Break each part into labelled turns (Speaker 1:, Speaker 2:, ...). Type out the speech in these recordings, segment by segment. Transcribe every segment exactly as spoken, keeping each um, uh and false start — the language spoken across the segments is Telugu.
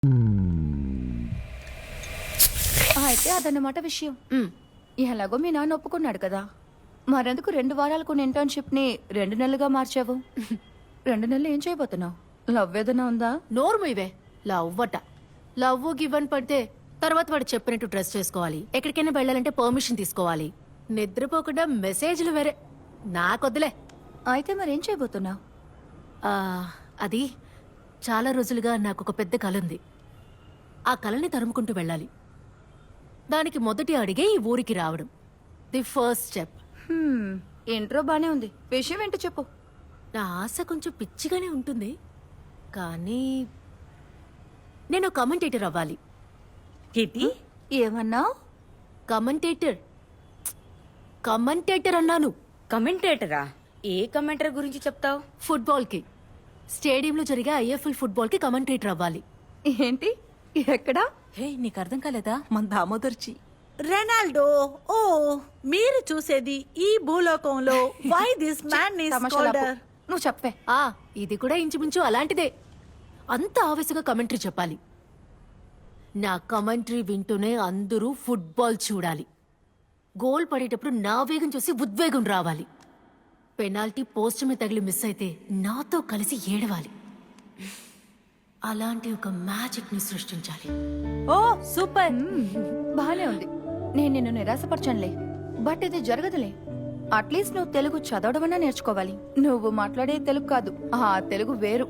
Speaker 1: అయితే అదన్నమాట విషయం. ఎలాగో మీ నాన్న ఒప్పుకున్నాడు కదా, మరెందుకు రెండు వారాలకు ఇంటర్న్షిప్ ని రెండు నెలలుగా మార్చావు? రెండు నెలలు ఏం చేయబోతున్నావు? లవ్ ఏదైనా ఉందా?
Speaker 2: నోరు ఇవే లవ్ అట. లవ్ గివన్ పడితే తర్వాత వాడు చెప్పినట్టు డ్రెస్ చేసుకోవాలి, ఎక్కడికైనా వెళ్ళాలంటే పర్మిషన్ తీసుకోవాలి, నిద్రపోకుండా మెసేజ్లు వేరే. నాకొద్దులే.
Speaker 1: అయితే మరేం చేయబోతున్నావు?
Speaker 2: ఆ, అది చాలా రోజులుగా నాకు ఒక పెద్ద కల ఉంది. ఆ కలని తరుముకుంటూ వెళ్ళాలి. దానికి మొదటి అడిగే ఈ ఊరికి రావడం, ది ఫస్ట్ స్టెప్.
Speaker 1: ఇంట్రో బానే ఉంది, విషయం ఏంటో చెప్పు.
Speaker 2: నా ఆశ కొంచెం పిచ్చిగానే ఉంటుంది, కానీ నేను కమెంటేటర్ అవ్వాలి.
Speaker 3: కిటి
Speaker 1: ఏమన్నావు?
Speaker 2: కమెంటేటర్ కమెంటేటర్ అన్నాను.
Speaker 3: కమెంటేటరా? ఏ కమెంటరీ గురించి చెప్తావు?
Speaker 2: ఫుట్బాల్ కి, స్టేడియంలో జరిగే ఐఎఫ్ఎల్ ఫుట్బాల్ కి కమెంటేటర్ అవ్వాలి.
Speaker 1: ఏంటి? ఎక్కడా?
Speaker 4: హే, నీకు అర్థం కాలేదా? మన దామోదర్చి.
Speaker 5: రెనాల్డో. ఓ, మీరు చూసేది ఈ భూలోకంలో వై దిస్ మ్యాన్ ఈస్
Speaker 1: తమాషాలాపు.
Speaker 5: కాల్డ్.
Speaker 1: నువ్వు చెప్పే.
Speaker 2: ఆ ఇది కూడా ఇంచుమించు అలాంటిదే. అంత ఆవేశంగా కమెంటరీ చెప్పాలి. నా కమెంటరీ వింటూనే అందరూ ఫుట్బాల్ చూడాలి. గోల్ పడేటప్పుడు నా వేగం చూసి ఉద్వేగం రావాలి. పెనాల్టీ పోస్ట్ మీద తగిలి మిస్ అయితే నాతో కలిసి ఏడవాలి. అలాంటి ఒక మ్యాజిక్ ని సృష్టించాలి.
Speaker 4: ఓ సూపర్.
Speaker 1: బానే ఉంది. నేను నిన్ను నిరాశపరచనులే, బట్ ఇది జరగదులే. అట్లీస్ట్ నువ్వు తెలుగు చదవడమన్నా నేర్చుకోవాలి. నువ్వు మాట్లాడే తెలుగు కాదు, ఆ తెలుగు వేరు.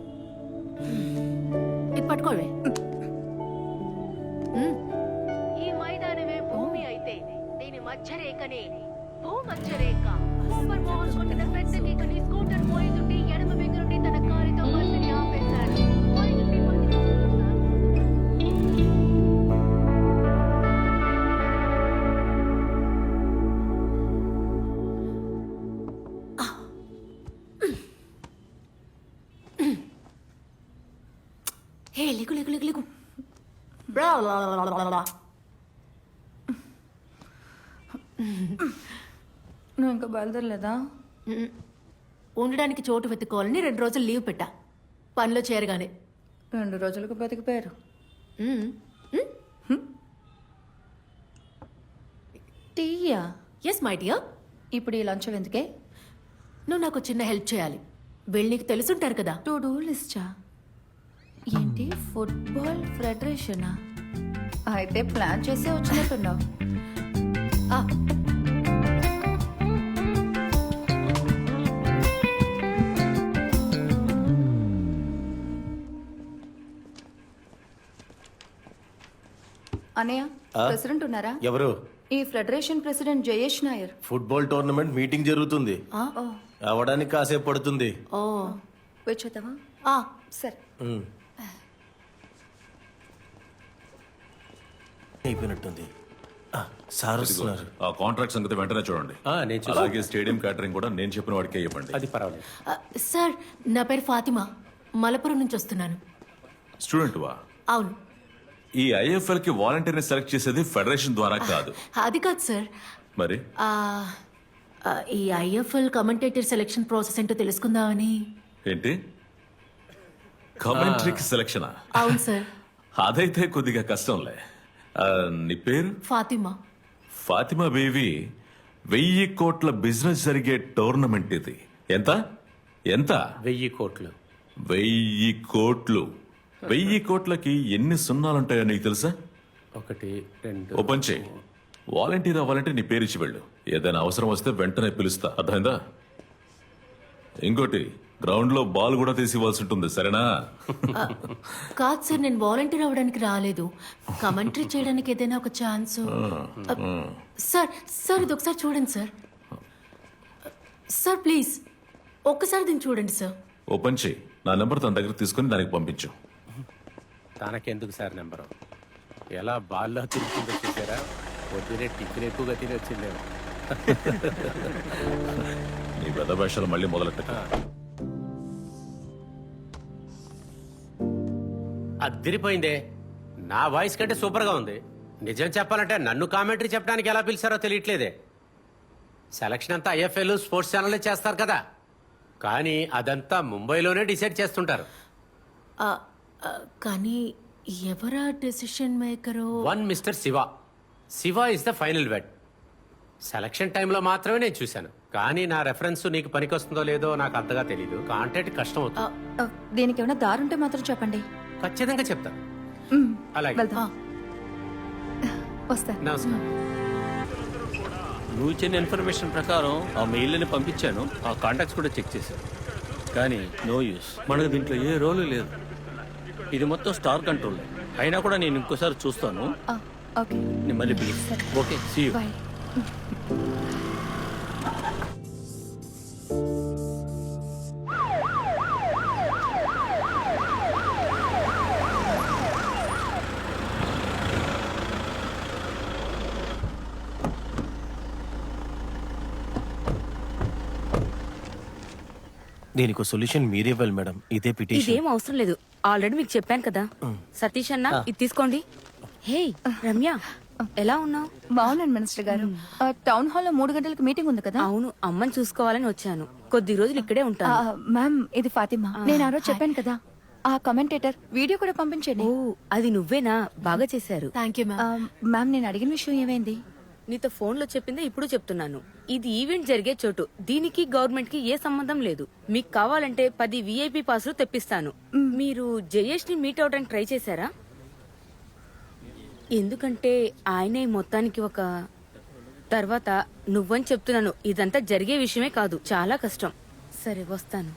Speaker 2: ఇది పట్టుకోవే. ఈ మైదానమే భూమి అయితే దీని మధ్యరేఖనే భూమధ్యరేఖ. సూపర్ బాల్ కొట్టిన పెద్ద కిక్ని స్కూటర్ పోయితుంటే ఎడమ వెంగు నుండి తన కారుతో బంతిని ఆపేశాడు. పోయితుంటే బంతిని హే లిగు లిగు లిగు లిగు.
Speaker 1: నువ్వు ఇంకా బయలుదేరలేదా?
Speaker 2: ఉండడానికి చోటు వెతుక్కోవాలని రెండు రోజులు లీవ్ పెట్టా, పనిలో చేరగానే.
Speaker 1: రెండు రోజులకు బతికిపోయారు. టీయా?
Speaker 2: Yes my dear.
Speaker 1: ఇప్పుడు ఈ లంచం ఎందుకే?
Speaker 2: నువ్వు నాకు చిన్న హెల్ప్ చేయాలి. వీళ్ళు నీకు తెలుసుంటారు కదా.
Speaker 1: టు డూ లిస్టా? ఏంటి, ఫుట్బాల్ ఫెడరేషనా? అయితే ప్లాన్ చేసే వచ్చినట్టున్నావు.
Speaker 2: ఆ,
Speaker 1: అనయ్య, ప్రెసిడెంట్ ఉన్నారా?
Speaker 6: ఎవరు?
Speaker 1: ఈ federation president Jayesh Nair.
Speaker 6: Football tournament meeting జరుగుతుంది,
Speaker 1: ఓ
Speaker 6: అవడానికి కాసేపు పడుతుంది.
Speaker 2: ఓ
Speaker 1: వచ్చేద్దామా?
Speaker 2: ఆ,
Speaker 1: సరే.
Speaker 6: ఉమ్. అయిపోయినట్టుంది. ఆ, సార్ వస్తున్నారు.
Speaker 7: ఆ కాంట్రాక్ట్ సంగతి వెంటనే చూడండి. అలాగే స్టేడియం క్యాటరింగ్ కూడా నేను చెప్పిన వాడికే ఇవ్వండి.
Speaker 6: అది పర్వాలేదు.
Speaker 2: ఆ, సార్ నా పేరు ఫాతిమా, మలపురం నుంచి వస్తున్నాను.
Speaker 7: స్టూడెంట్ వా?
Speaker 2: అవును.
Speaker 7: ఈ ఐఎఫ్ఎల్ కి వాలంటీర్ని సెలెక్ట్ చేసేది ఫెడరేషన్ ద్వారా కాదు.
Speaker 2: అది కాదు సార్.
Speaker 7: మరి
Speaker 2: ఆ, ఆ, ఈ ఐఎఫ్ఎల్ కమెంటేటర్ సెలెక్షన్ ప్రాసెస్ ఏంటో తెలుసుకుందామని.
Speaker 7: ఏంటి, కమెంట్రీకి సెలక్షనా?
Speaker 2: అవును సార్.
Speaker 7: అదైతే కొద్దిగా కష్టంలే. ఆ, నీ పేరు?
Speaker 2: ఫాతిమా.
Speaker 7: ఫాతిమా బేబీ, వెయ్యి కోట్ల బిజినెస్ జరిగే టోర్నమెంట్ ఇది. ఎంత ఎంత?
Speaker 6: వెయ్యి కోట్లు.
Speaker 7: వెయ్యి కోట్లు. వెయ్యి కోట్లకి ఎన్ని సున్నాలుంటాయో నీకు తెలుసా?
Speaker 6: ఒకటి, రెండు.
Speaker 7: ఓ పని చేయి, వాలంటీర్ అవ్వాలంటే నీ పేరు ఇచ్చి వెళ్ళు. ఏదైనా అవసరం వస్తే వెంటనే పిలుస్తా, అర్థమైందా? ఇంకోటి, గ్రౌండ్ లో బాల్ కూడా తీసి ఇవ్వాల్సి ఉంటుంది, సరేనా?
Speaker 2: ఆ, కాదు సార్, నేను వాలంటీర్ అవ్వడానికి రాలేదు, కమెంటరీ చేయడానికి ఏదైనా ఒక ఛాన్స్. సార్ సార్ ఇది ఒకసారి చూడండి సార్. సార్ ప్లీజ్ ఒక్కసారి దీన్ని చూడండి సార్.
Speaker 7: ఓ పని చేయి, నా నెంబర్ తన దగ్గర తీసుకుని దానికి పంపించు.
Speaker 8: తనకెందుకు సార్ నెంబరు? ఎలా బాల్లో తిరుగుతుందో చూసారా? పొద్దునే టిఫిన్ ఎక్కువగా తిని వచ్చిందేమో.
Speaker 7: నీ పెద్ద భాషలు మళ్ళీ మొదలెట్ట.
Speaker 8: అదిరిపోయిందే. నా వాయిస్ కంటే సూపర్గా ఉంది. నిజం చెప్పాలంటే నన్ను కామెంటరీ చెప్పడానికి ఎలా పిలిచారో తెలియట్లేదే. సెలక్షన్ అంతా ఐఎఫ్ఎల్ స్పోర్ట్స్ ఛానల్లే చేస్తారు కదా, కానీ అదంతా ముంబైలోనే డిసైడ్ చేస్తుంటారు.
Speaker 2: ఆ, ఆ, కానీ ఎవరా డెసిషన్ మేకరో?
Speaker 8: One mister Shiva Shiva is the final word. Selection టైంలో మాత్రమే నేను చూశాను, కానీ నా రెఫరెన్స్ నీకు పనికొస్తుందో లేదో నాకు అంతగా తెలియదు. కాంటాక్ట్ కష్టం అవుతుంది.
Speaker 1: ఆ, దీనికి ఏమైనా దారుంటే మాత్రం చెప్పండి.
Speaker 8: ఖచ్చితంగా చెప్తాను.
Speaker 1: మ్,
Speaker 8: అలాగే.
Speaker 1: వెళ్దాం. వస్తాను.
Speaker 8: నమస్కారం.
Speaker 9: నువ్వు ఇచ్చిన ఇన్ఫర్మేషన్ ప్రకారం ఆ మెయిల్ని పంపించాను, ఆ కాంటాక్ట్స్ కూడా చెక్ చేశాను, కానీ నో యూస్. మనకు దీంట్లో ఏ రోలు లేదు. ఇది మొత్తం స్టార్ కంట్రోల్. అయినా కూడా నేను ఇంకోసారి చూస్తాను.
Speaker 1: ఆ, ఓకే
Speaker 9: నేను మళ్ళీ పిలుస్తాను. Okay, see you.
Speaker 1: బాయ్.
Speaker 6: దీనికి సొల్యూషన్ మీరే ఇవ్వాలి మేడం. ఇదే పిటిషన్.
Speaker 3: ఇదేం అవసరం లేదు, ఆల్రెడీ మీకు చెప్పాను కదా. సతీష్ అన్న ఇది తీసుకోండి. హే రమ్య, ఎలా ఉన్నావు?
Speaker 1: బాగున్నాను మినిస్టర్ గారు. ఆ, టౌన్ హాల్లో మూడు గంటలకు మీటింగ్ ఉంది కదా.
Speaker 3: అవును, అమ్మని చూసుకోవాలని వచ్చాను. కొద్ది రోజులు ఇక్కడే
Speaker 1: ఆ,
Speaker 3: ఉంటాను.
Speaker 1: మ్యామ్ ఇది ఫాతిమా. నేను ఆ రోజు చెప్పాను కదా, ఆ కమెంటేటర్ వీడియో కూడా పంపించండి.
Speaker 3: ఓ అది నువ్వేనా? బాగా చేశారు.
Speaker 2: థ్యాంక్ యూ
Speaker 1: ఆ,
Speaker 2: మ్యామ్.
Speaker 1: మ్యామ్ నేను అడిగిన విషయం ఏమైంది?
Speaker 3: నీతో ఫోన్ లో చెప్పిందే ఇప్పుడు చెప్తున్నాను. ఇది ఈవెంట్ జరిగే చోటు, దీనికి గవర్నమెంట్ కి ఏ సంబంధం లేదు. మీకు కావాలంటే పది విఐపి పాసులు తెప్పిస్తాను. మీరు జయేష్ ని మీట్ అవడానికి ట్రై చేశారా? ఎందుకంటే ఆయనే మొత్తానికి ఒక తర్వాత నువ్వని చెప్తున్నాను. ఇదంతా జరిగే విషయమే కాదు, చాలా కష్టం. సరే వస్తాను.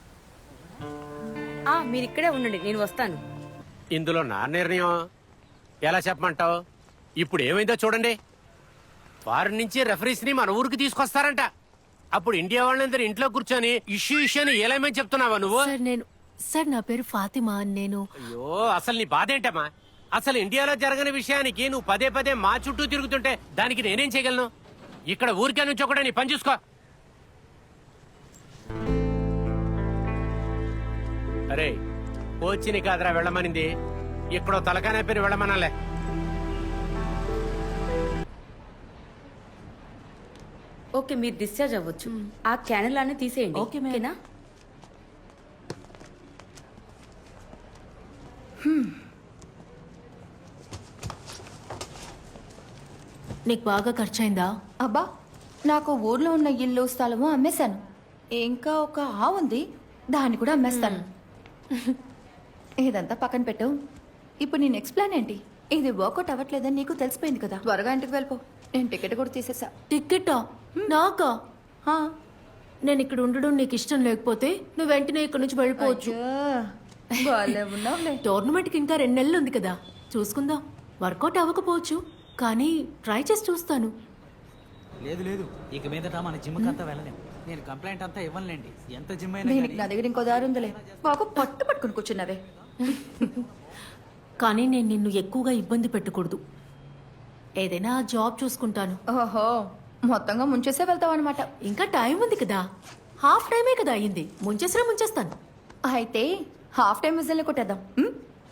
Speaker 3: ఆ మీరు ఇక్కడే ఉండండి, నేను వస్తాను.
Speaker 8: ఇందులో నా నిర్ణయం ఎలా చెప్పమంటావు? ఇప్పుడు ఏమైందో చూడండి. వారి నుంచి రెఫరీస్ ని మన ఊరికి తీసుకొస్తారంట. అప్పుడు ఇండియా వాళ్ళందరూ ఇంట్లో కూర్చొని ఇష్యూ ఇష్యూ అని ఏలేమని చెప్తున్నావా నువ్వు?
Speaker 2: సార్ నేను సార్ నా పేరు ఫాతిమా. నేను
Speaker 8: అయ్యో అసలు నీ బాధ ఏంటమ్మా? అసలు ఇండియాలో జరగని విషయానికి నువ్వు పదే పదే మా చుట్టూ తిరుగుతుంటే దానికి నేనేం చేయగలను? ఇక్కడ ఊరికే నుంచి ఒకటే నీ పని చూసుకో. అరే కోచిని కాదురా వెళ్ళమనింది, ఇక్కడ తలకానే పేరు వెళ్ళమనాలే.
Speaker 3: ఓకే మీరు డిశ్చార్జ్ అవ్వచ్చు. ఆ క్యానల్ అన్ని తీసేయండి.
Speaker 4: Okay, madam.
Speaker 3: ఓకేనా?
Speaker 2: నీకు బాగా ఖర్చయిందా?
Speaker 1: అబ్బా, నాకు ఊర్లో ఉన్న ఇల్లు స్థలము అమ్మేశాను. ఇంకా ఒక ఆవు ఉంది, దాన్ని కూడా అమ్మేస్తాను. ఇదంతా పక్కన పెట్టు. ఇప్పుడు నీ నెక్స్ట్ ప్లాన్ ఏంటి? ఇది వర్కౌట్ అవ్వట్లేదని నీకు తెలిసిపోయింది కదా. త్వరగా ఇంటికి వెళ్ళిపో. నేను టికెట్ కూడా తీసేసా.
Speaker 2: టికెటా? నాకా?
Speaker 1: హా.
Speaker 2: నేను ఇక్కడ ఉండడం నీకు ఇష్టం లేకపోతే నువ్వు వెంటనే ఇక్కడ నుంచి వెళ్ళిపోవచ్చు.
Speaker 1: బాలే ఉన్నావులే.
Speaker 2: టోర్నమెంట్ కి ఇంకా రెండు నెలలు ఉంది కదా, చూసుకుందాం. వర్కౌట్ అవ్వకపోవచ్చు, కానీ ట్రై చేసి చూస్తాను.
Speaker 10: లేదు లేదు, ఇక మీదట మన జిమ్ అంతా వెళ్ళలేం. నేను కంప్లైంట్ అంతా ఇవ్వనులేండి, ఎంత జిమ్ అయినా
Speaker 1: దీనికి నా దగ్గర ఇంకో దారి ఉందిలే. బాగా పట్టు పట్టుకుని కూర్చున్నావే.
Speaker 2: కానీ నేను నిన్ను ఎక్కువగా ఇబ్బంది పెట్టకూడదు. ఏదైనా జాబ్ చూసుకుంటాను.
Speaker 1: ఓహో, మొత్తంగా ముంచేసే వెళ్తావు అనమాట.
Speaker 2: ఇంకా టైం ఉంది కదా, హాఫ్ టైమే కదా అయ్యింది. ముంచేసినా ముంచేస్తాను.
Speaker 1: అయితే హాఫ్ టైం విజిల్ని కొట్టేద్దాం. ఉం?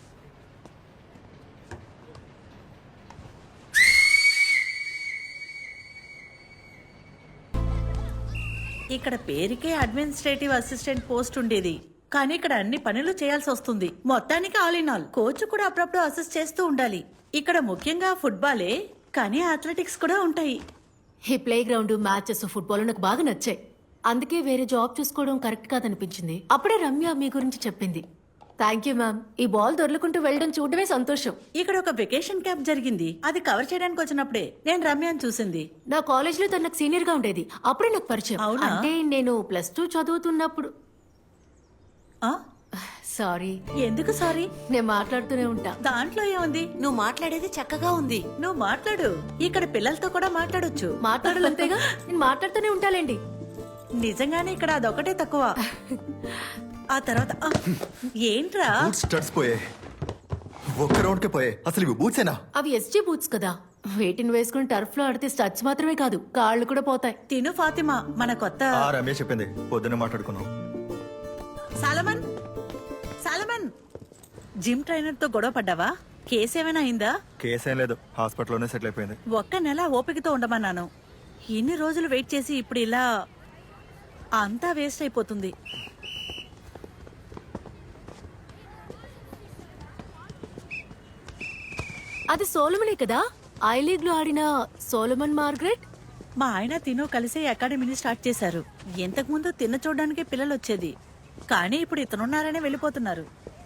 Speaker 5: ఇక్కడ పేరుకే అడ్మినిస్ట్రేటివ్ అసిస్టెంట్ పోస్ట్ ఉండేది, కానీ ఇక్కడ అన్ని పనులు చేయాల్సి వస్తుంది. మొత్తానికి ఆల్ ఇన్ ఆల్. కోచ్ కూడా అప్పుడప్పుడు అసిస్ట్ చేస్తూ ఉండాలి. ఇక్కడ ముఖ్యంగా ఫుట్బాలే, కానీ అథ్లెటిక్స్ కూడా ఉంటాయి.
Speaker 2: ఈ ప్లే గ్రౌండ్, మ్యాచెస్, ఫుట్బాల్ నాకు బాగా నచ్చాయి. అందుకే వేరే జాబ్ చూసుకోవడం కరెక్ట్ కాదనిపించింది. అప్పుడే రమ్య మీ గురించి చెప్పింది. Thank you ma'am. ఈ బాల్ దొరలకుంటూ వెళ్ళడం చూడడమే సంతోషం.
Speaker 5: ఇక్కడ ఒక వెకేషన్ క్యాంప్ జరిగింది, అది కవర్ చేయడానికి వచ్చినప్పుడే నేను రమ్యని చూసింది.
Speaker 2: నా కాలేజ్ లో తను నాకు సీనియర్ గా ఉండేది, అప్పుడే నాకు పరిచయం.
Speaker 5: అవునా?
Speaker 2: అంటే నేను ప్లస్ టూ చదువుతున్నప్పుడు.
Speaker 5: ఆ?
Speaker 2: సారీ.
Speaker 5: ఎందుకు సారీ?
Speaker 2: నేను మాట్లాడుతూనే ఉంటా.
Speaker 5: దాంట్లో ఏముంది?
Speaker 4: నువ్వు మాట్లాడేది చక్కగా ఉంది.
Speaker 5: నువ్వు మాట్లాడు, ఇక్కడ పిల్లలతో కూడా మాట్లాడొచ్చు.
Speaker 2: మాట్లాడాలంతేగా, నేను మాట్లాడుతూనే ఉంటాలేండి.
Speaker 5: నిజంగానే ఇక్కడ అదొకటే తక్కువ. ఆ తర్వాత ఆ, ఏంట్రా?
Speaker 11: బూట్స్ స్టడ్స్ పోయే, ఒక్క రౌండ్ కే పోయే. అసలు ఇవి బూట్సేనా?
Speaker 2: అవి ఎస్జీ బూట్స్ కదా, వేటిని వేసుకుని టర్ఫ్ లో ఆడితే స్టడ్స్ మాత్రమే కాదు, కాళ్ళు కూడా పోతాయి.
Speaker 5: తిను ఫాతిమా, మన కొత్త
Speaker 11: ఆ రమేష్ చెప్పింది, పొద్దున్న మాట్లాడుకున్నాం.
Speaker 5: సాలమన్, సాలమన్, జిమ్ ట్రైనర్ తో గొడవ పడ్డావా? కేసు ఏమైనా అయిందా?
Speaker 11: కేసేం లేదు, హాస్పిటల్లోనే సెటిల్ అయిపోయింది.
Speaker 5: ఒక్క నెల ఓపికతో ఉండమన్నాను. ఇన్ని రోజులు వెయిట్ చేసి ఇప్పుడు ఇలా అంతా వేస్ట్ అయిపోతుంది.
Speaker 2: అది సోలమనే కదా ఐ లీగ్ లో ఆడిన సోలమన్ మార్గరెట్.
Speaker 5: మా ఆయన తిను కలిసి అకాడమీని స్టార్ట్ చేశారు. ఇంతకు ముందు తిన్న చూడడానికి పిల్లలు వచ్చేది, కానీ ఇప్పుడు ఇతనున్నారనే వెళ్ళిపోతున్నారు.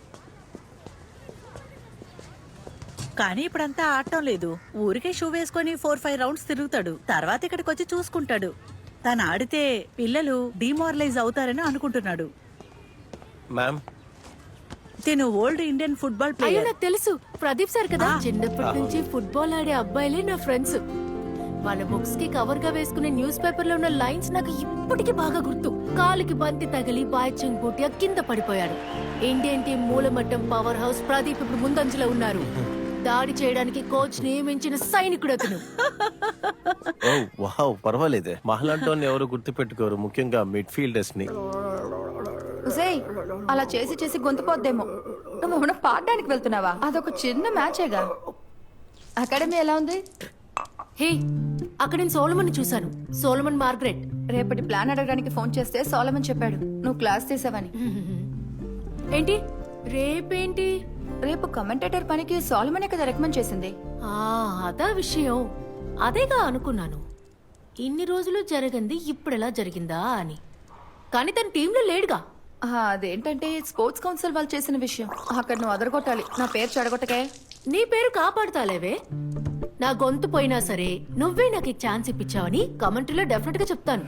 Speaker 5: కానీ ఇప్పుడంతా ఆడటం లేదు. ఊరికే షూ వేసుకొని ఫోర్ ఫైవ్ రౌండ్స్ తిరుగుతాడు. తర్వాత ఇక్కడికి వచ్చి చూసుకుంటాడు. తను ఆడితే పిల్లలు డిమారలైజ్ అవుతారని అనుకుంటున్నాడు.
Speaker 6: మ్యామ్
Speaker 5: తిను ఓల్డ్ ఇండియన్ ఫుట్బాల్
Speaker 2: అయ్యో
Speaker 5: ప్లేయర్.
Speaker 2: నాకు తెలుసు, ప్రదీప్ సార్ కదా. చిన్నప్పటి నుంచి ఫుట్బాల్ ఆడే అబ్బాయిలే నా ఫ్రెండ్స్. వాళ్ళ బుక్స్ కి కవర్ గా వేసుకునే న్యూస్ పేపర్ లో ఉన్న లైన్స్ నాకు ఇప్పటికీ బాగా గుర్తు. కాలుకి బంతి తగిలి బాయ్చింగ్ బూటియా కింద పడిపోయాడు. ఇండియన్ టీం మూలమట్టం పవర్ హౌస్ ప్రదీప్ ఇప్పుడు ముందంజలో ఉన్నారు. దాడి చేయడానికి కోచ్ నియమించిన సైనికుడు అతను.
Speaker 6: ఓ వావ్, పర్వాలేదే. మహలాంటోని ఎవరు గుర్తు పెట్టుకోరు, ముఖ్యంగా మిడ్ ఫీల్డర్స్ ని.
Speaker 1: ఉసేయ్, అలా చేసి చేసి గొంతుపోద్దేమో. నువ్వు ఏమైనా పాడడానికి వెళ్తున్నావా? అదొక చిన్న మ్యాచేగా. అకాడమీ ఎలా ఉంది?
Speaker 2: హే, అక్కడ నేను సోలమన్ చూశాను. Solomon Margaret.
Speaker 1: రేపటి ప్లాన్ అడగడానికి ఫోన్ చేస్తే సోలమన్ చెప్పాడు నువ్వు క్లాస్ తీసావని.
Speaker 2: ఏంటి రేపేంటి?
Speaker 1: రేపు కమెంటేటర్ పనికి సోలమనే కదా రికమెండ్ చేసింది.
Speaker 2: ఆ, అదా విషయం. అదేగా అనుకున్నాను. ఇన్ని రోజులు జరగంది ఇప్పుడెలా జరిగిందా అని. కానీ తన టీంలో లేడుగా.
Speaker 1: ఆ, అదేంటంటే స్పోర్ట్స్ కౌన్సిల్ వాళ్ళు చేసిన విషయం. అక్కడ నువ్వు అదరగొట్టాలి. నా పేరు చెడగొట్టకే.
Speaker 2: నీ పేరు కాపాడుతాలేవే. నా గొంతు పోయినా సరే నువ్వే నాకు ఈ ఛాన్స్ ఇప్పించావని కమెంటరీలో డెఫినెట్ గా చెప్తాను.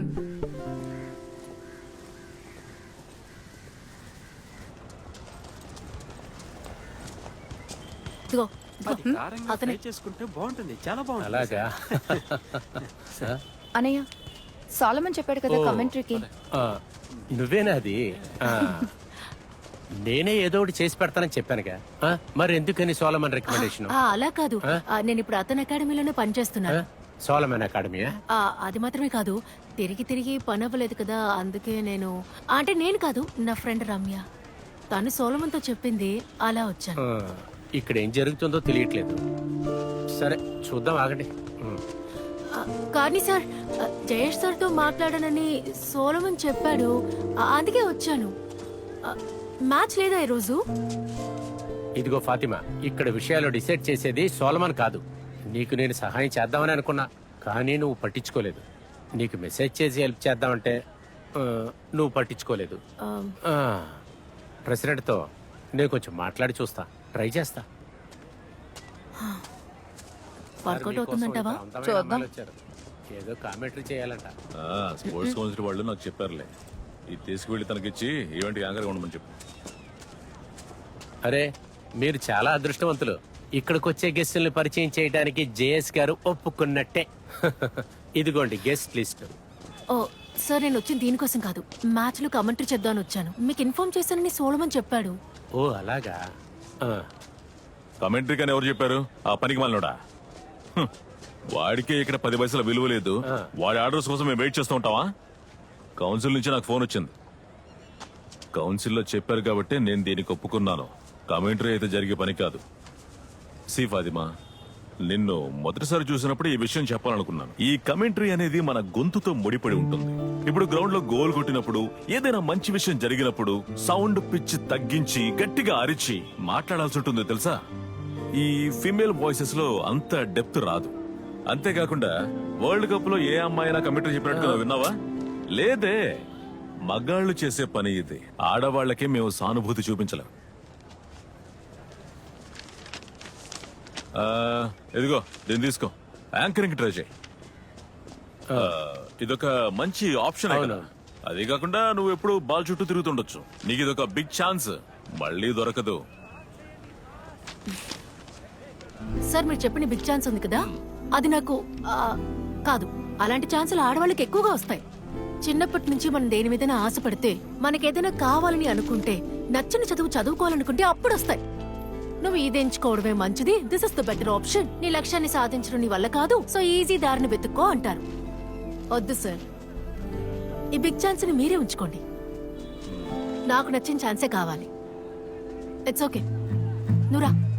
Speaker 2: ఇదిగో, ఇదిగో. అతనే.
Speaker 10: చేసుకుంటే బాగుంటుంది, చాలా బాగుంటుంది.
Speaker 8: అలాగా
Speaker 1: అనయ్య, సోలమన్ చెప్పాడు కదా కమెంటరీకి.
Speaker 8: ఆ, నువ్వేనా అది? ఆ, నేనే ఏదో ఒకటి చేసి పెడతానని చెప్పానుగా. ఆ, మరి ఎందుకని సోలమన్ రికమెండేషన్?
Speaker 2: ఆ, అలా కాదు. ఆ, నేను ఇప్పుడు అతని అకాడమీలోనే పనిచేస్తున్నాను.
Speaker 8: సోలమన్ అకాడమీయా?
Speaker 2: ఆ, అది మాత్రమే కాదు, తిరిగి తిరిగి పని అవ్వలేదు కదా, అందుకే నేను అంటే నేను కాదు, నా ఫ్రెండ్ రమ్య, తను సోలమన్తో చెప్పింది, అలా వచ్చాను.
Speaker 8: ఆ, ఇక్కడ ఏం జరుగుతుందో తెలియట్లేదు. సరే చూద్దాం, ఆగండి. ఉమ్.
Speaker 2: ఆ, కానీ సార్, ఆ, జయేష్ సార్తో మాట్లాడానని సోలమన్ చెప్పాడు, ఆ, అందుకే వచ్చాను. ఆ, మ్యాచ్ లేదా ఈరోజు?
Speaker 8: ఇదిగో ఫాతిమా, ఇక్కడ విషయాలు డిసైడ్ చేసేది సోలమన్ కాదు. నీకు నేను సహాయం చేద్దామని అనుకున్నా, కానీ నువ్వు పట్టించుకోలేదు. నీకు మెసేజ్ చేసి హెల్ప్ చేద్దామంటే ఆ, నువ్వు పట్టించుకోలేదు.
Speaker 2: ఆ,
Speaker 8: ఆ, ప్రెసిడెంట్తో నేను కొంచెం మాట్లాడి చూస్తా, ట్రై చేస్తా.
Speaker 2: వర్కౌట్ అవుతుందంటావా?
Speaker 8: అందమైన
Speaker 1: చూద్దాం.
Speaker 8: అమ్మాయిలు వచ్చారు. ఏదో కామెంటరీ చేయాలంట.
Speaker 7: స్పోర్ట్స్ కౌన్సిల్ వాళ్ళు నాకు చెప్పారులే. ఇది తీసుకువెళ్ళి తనకిచ్చి ఈవెంట్ యాంకర్గా ఉండమని చెప్పు.
Speaker 8: అరే, మీరు చాలా అదృష్టవంతులు. ఇక్కడికి వచ్చే గెస్టుల్ని పరిచయం చేయడానికి జేఎస్ గారు ఒప్పుకున్నట్టే. ఇదిగోండి గెస్ట్ లిస్ట్.
Speaker 2: ఓ సార్, నేను వచ్చింది దీనికోసం కాదు, మ్యాచ్ లో కమెంటరీ చేద్దామని వచ్చాను. మీకు ఇన్ఫార్మ్ చేశానని సోలమన్ చెప్పాడు.
Speaker 8: ఓ అలాగా. ఆ,
Speaker 7: కమెంటరీ కానీ ఎవరు చెప్పారు? ఆ పనికి మాలినోడా? హ్మ్. వాడికే ఇక్కడ పది పైసల విలువ లేదు. వాడి ఆర్డర్స్ కోసం మేము వెయిట్ చేస్తూ ఉంటావా? కౌన్సిల్ నుంచి నాకు ఫోన్ వచ్చింది. కౌన్సిల్లో చెప్పారు కాబట్టి నేను దీనికి ఒప్పుకున్నాను. కమెంటరీ అయితే జరిగే పని కాదు. సి ఫాతిమా, నిన్ను మొదటిసారి చూసినప్పుడు ఈ విషయం చెప్పాలనుకున్నాను. ఈ కమెంటరీ అనేది మన గొంతుతో ముడిపడి ఉంటుంది. ఇప్పుడు గ్రౌండ్ లో గోల్ కొట్టినప్పుడు, ఏదైనా మంచి విషయం జరిగినప్పుడు సౌండ్ పిచ్ తగ్గించి గట్టిగా అరిచి మాట్లాడాల్సి ఉంటుంది తెలుసా? ఈ ఫీమేల్ వాయిసెస్ లో అంత డెప్త్ రాదు. అంతేకాకుండా వరల్డ్ కప్ లో ఏ అమ్మాయినా కమెంటరీ చెప్పినట్టుగా విన్నావా? లేదే. మగాళ్ళు చేసే పని ఇది. ఆడవాళ్లకే మేము సానుభూతి చూపించలేం. ఆ, ఇదిగో దీన్ని తీసుకో, యాంకరింగ్ ట్రై చేయి. ఆ, ఇదొక మంచి ఆప్షన్. అదే కాకుండా నువ్వు ఎప్పుడు బాల్ చుట్టూ తిరుగుతుండొచ్చు. నీకు ఇదొక బిగ్ ఛాన్స్, మళ్ళీ దొరకదు.
Speaker 2: సార్, మీరు చెప్పిన బిగ్ ఛాన్స్ ఉంది కదా, అది నాకు ఆ, కాదు. అలాంటి ఛాన్సులు ఆడవాళ్ళకి ఎక్కువగా వస్తాయి. చిన్నప్పటి నుంచి మనం దేని మీదైనా ఆశపడితే, మనకేదైనా కావాలని అనుకుంటే, నచ్చిన చదువు చదువుకోవాలనుకుంటే అప్పుడు వస్తాయి. నువ్వు ఇది ఎంచుకోవడమే మంచిది. This is the better option. నీ లక్ష్యాన్ని సాధించడం నీ వల్ల కాదు, సో ఈజీ దారిని వెతుక్కో అంటారు. వద్దు సార్, ఈ బిగ్ ఛాన్స్ ని మీరే ఉంచుకోండి. నాకు నచ్చిన ఛాన్సే కావాలి. ఇట్స్ ఓకే, నువ్వు రా.